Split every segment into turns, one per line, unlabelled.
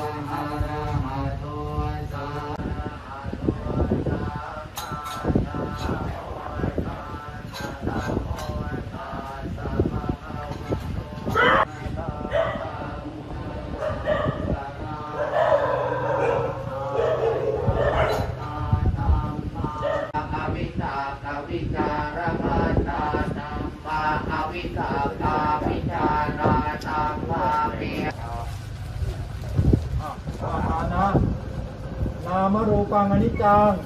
นามรูปังอนิจจัง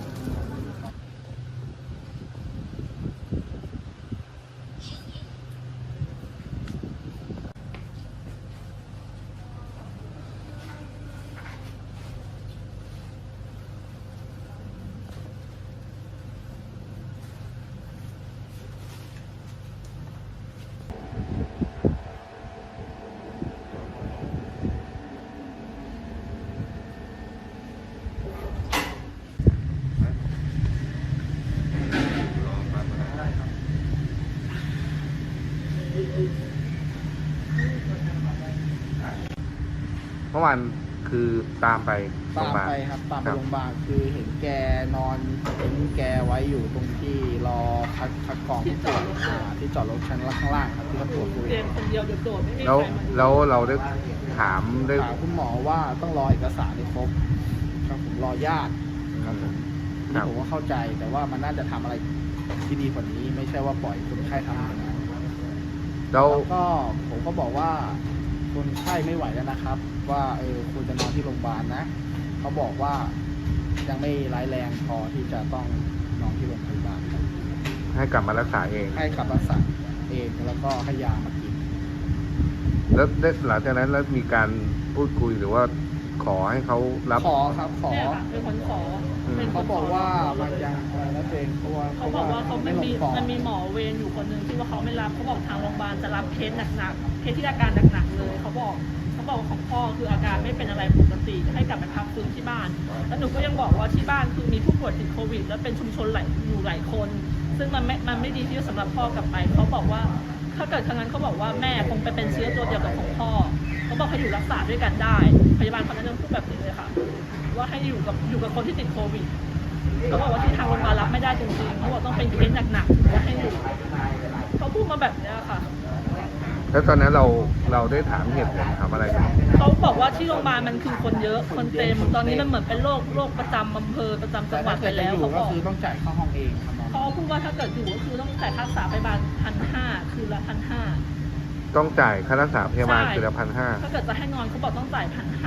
เมื่อวานคือตามไปโรงพยาบาล
ครับตามไปโรงพยาบาลคือเห็นแกนอนเห็นแกไว้อยู่ตรงที่รอคัดกรองที่จอดรถชั้นข้างล่างครับที่เขาตรวจโควิด
เรียนคนเดียวโดดๆไม่มี
แล้ว
ใครมาดู
แล้วเราได้ถามได้
ถามคุณหมอว่าต้องรอเอกสารให้ครบครับผมรอญาติครับผมนี่ผมก็เข้าใจแต่ว่ามันน่าจะทำอะไรที่ดีกว่านี้ไม่ใช่ว่าปล่อยคนไข้ทำอย่างนั้น
แล้ว
แล้วก็ผมก็บอกว่าคนไข้ไม่ไหวแล้วนะครับ ว่าควรจะนอนที่โรงพยาบาลนะเขาบอกว่ายังไม่ร้ายแรงพอที่จะต้องนอนที่โรงพยาบาลครับ
ให้กลับมารักษาเอง
ให้ขับรักษาเองแล้วก็ให้ยามากิน
แล้วได้หลังจากนั้นแล้วมีการพูดคุยหรือว่าขอให้เขารับ
ขอครับขอ
เนี่ยค่ะเป็นคนขอเป็นคน
เขาบอกว่ามันยังอะไรนะเองเพราะว่า
เขาบอกว่าเขาไม่มี
ลงปอด
มันมีหมอเวรอยู่คนหนึ่งที่ว่าเขาไม่รับเขาบอกทางโรงพยาบาลจะรับเคสหนักๆเคสที่อาการหนักๆเลยเขาบอกของพ่อคืออาการไม่เป็นอะไรปกติให้กลับไปพักฟื้นที่บ้านแล้วหนูก็ยังบอกว่าที่บ้านคือมีผู้ป่วยติดโควิด แล้วเป็นชุมชนอยู่หลายคน ซึ่งมันไม่ดีที่จะสำหรับพ่อกลับไปเขาบอกว่าถ้าเกิดทางนั้นเขาบอกว่าแม่คงไปเป็นเชื้อตัวเดียวกับของพ่อเขาบอกให้อยู่รักษาด้วยกันได้พยาบาลคนนั้นยังพูดแบบนี้เลยค่ะว่าให้อยู่กับคนที่ติดโควิดเขาบอกว่าที่ทางโรงพยาบาลรับไม่ได้จริงๆเขาบอกต้องเป็นเคสหนักๆถึงจะให้อยู่เขาพูดมาแบบนี้ค่ะ
แล้วตอนนั้นเราได้ถามเหตุผลถามอะไรกัน
เขาบอกว่าที่โรงพยาบาลมันคือคนเยอะคนเต็มตอนนี้มันเหมือนเป็นโรคประจำอำเภอประจำจังหวัดไปแล้ว
เขา
เขาบอก
คือต้องจ่ายค่าห้องเองครับ
เขาพูดว่าถ้าเกิดอยู่ก็คือต้องจ่ายค่ารักษาพยาบาล1,500คืนละ1,500
ต้องจ่ายค่ารักษาพยาบาลคือละ1,500
ถ้าเกิดจะให้นอนเขาบอกต้องจ่าย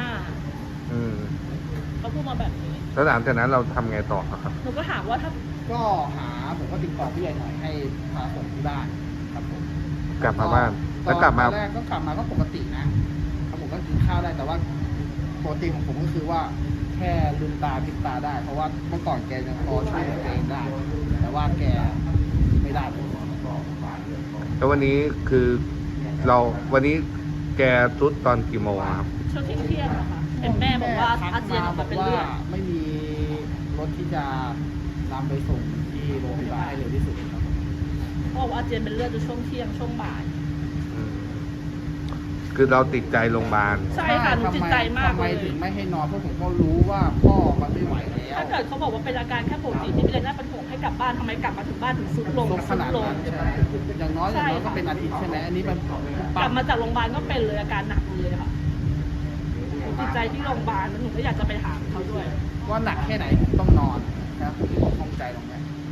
1,500เขาพูดมาแบบนี้
แล้วหลังจากนั้นเราทำไงต่อครับ
หนูก็ถามว่าถ้า
ก็ผมก็ติดต่อผู้ใหญ่หน่อยให้พาส่งที่บ้านครับผม
กลับมาบ้านแล้วกลับมา
ตอนแรกก็กลับมาก็ปกตินะครับผมก็กินข้าวได้แต่ว่าปกติของผมก็คือว่าแค่ลืมตาพลิกตาได้ เพราะว่าเมื่อก่อนแกยังพอช่วยตัวเองได้ แต่ว่าแกไม่ได้เลย
แล้ววันนี้คือวันนี้แกทุดตอนกี่โมงครับ
ช่วงเที่ยงอะค่ะเห็นแม่บอกว่าอาเจียนออกมาเป็นเลือด
ไม่มีรถที่จะนำไปส่งที่โรงพยาบาลให้เร็วที่สุดครับ
เขาบอกว่าอาเจียนเป็นเลือดจนช่วงเที่ยงช่วงบ่าย
คือเราติดใจโรงพยาบาล
ใช่ค่ะหนูจิตใจมาก
ทำไม
เลย
ถึงไม่ให้นอนเพราะผมก็รู้ว่าพ่อมันไม่ไหวแล้ว
ถ้าเกิดเขาบอกว่าเป็นอาการแค่ปกติที่ไม่ได้น่าเป็นห่วงให้กลับบ้านทำไมกลับมาถึงบ้านถึงสุดลง
ขนาด
ลง
นั้นใช่ไหมอย่างน้อยก็เป็นอาทิตย์ใช่ไหมอันนี้มัน
กลับมาจากโรงพยาบาลก็เป็นเลยอาการหนักเลยค่ะหนูจิตใจที่โรงพยาบาลแล้วหนูก็อยากจะไปถามเขาด้วย
ว่าหนักแค่ไหนผมต้องนอนนะครับผมข้องใจตรงนี้